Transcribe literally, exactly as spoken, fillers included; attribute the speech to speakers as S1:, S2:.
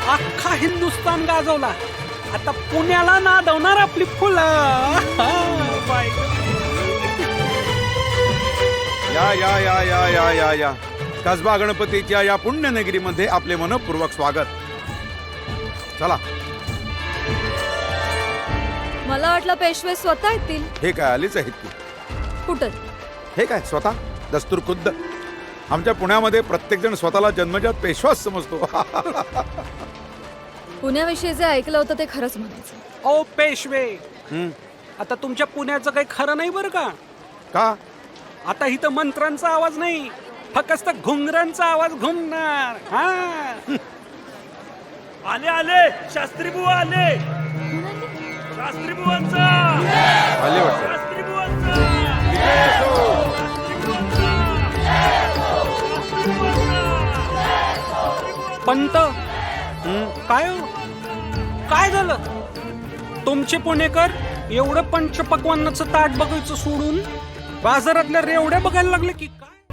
S1: अख्खा हिंदुस्तान गाजवला. आता पुण्याला नादवणार आपली फुलं.
S2: या या या या या या या कसबा गणपतीच्या या पुण्यनगरीमध्ये आपले मनपूर्वक स्वागत. चला.
S3: मला वाटलं पेशवे स्वतः येतील.
S2: हे काय आलीच आहेत की?
S3: कुठं?
S2: हे काय स्वतः दस्तूर खुद्द. आमच्या पुण्यामध्ये प्रत्येक जण स्वतःला जन्मजात पेशवाच समजतो.
S3: पुण्याविषयी जे ऐकलं होतं ते खरंच म्हणायचं.
S1: ओ पेशवे,
S2: हं,
S1: आता तुमच्या पुण्याचं काही खरं नाही बरं का.
S2: का?
S1: आता इथं मंत्रांचा आवाज नाही, फक्त घुंगरांचा आवाज घुमणार. हा,
S4: आले आले शास्त्री बुवा आले. शास्त्री बुवांचा
S2: आले वाटतं.
S4: शास्त्री बुवांचा
S1: पंत
S2: हं,
S1: काय हो? काय झालं? तुमचे पुणेकर एवढं पंचपक्वान्नाचं ताट बघायचं सोडून बाजारातल्या रेवड्या बघायला लागले की काय?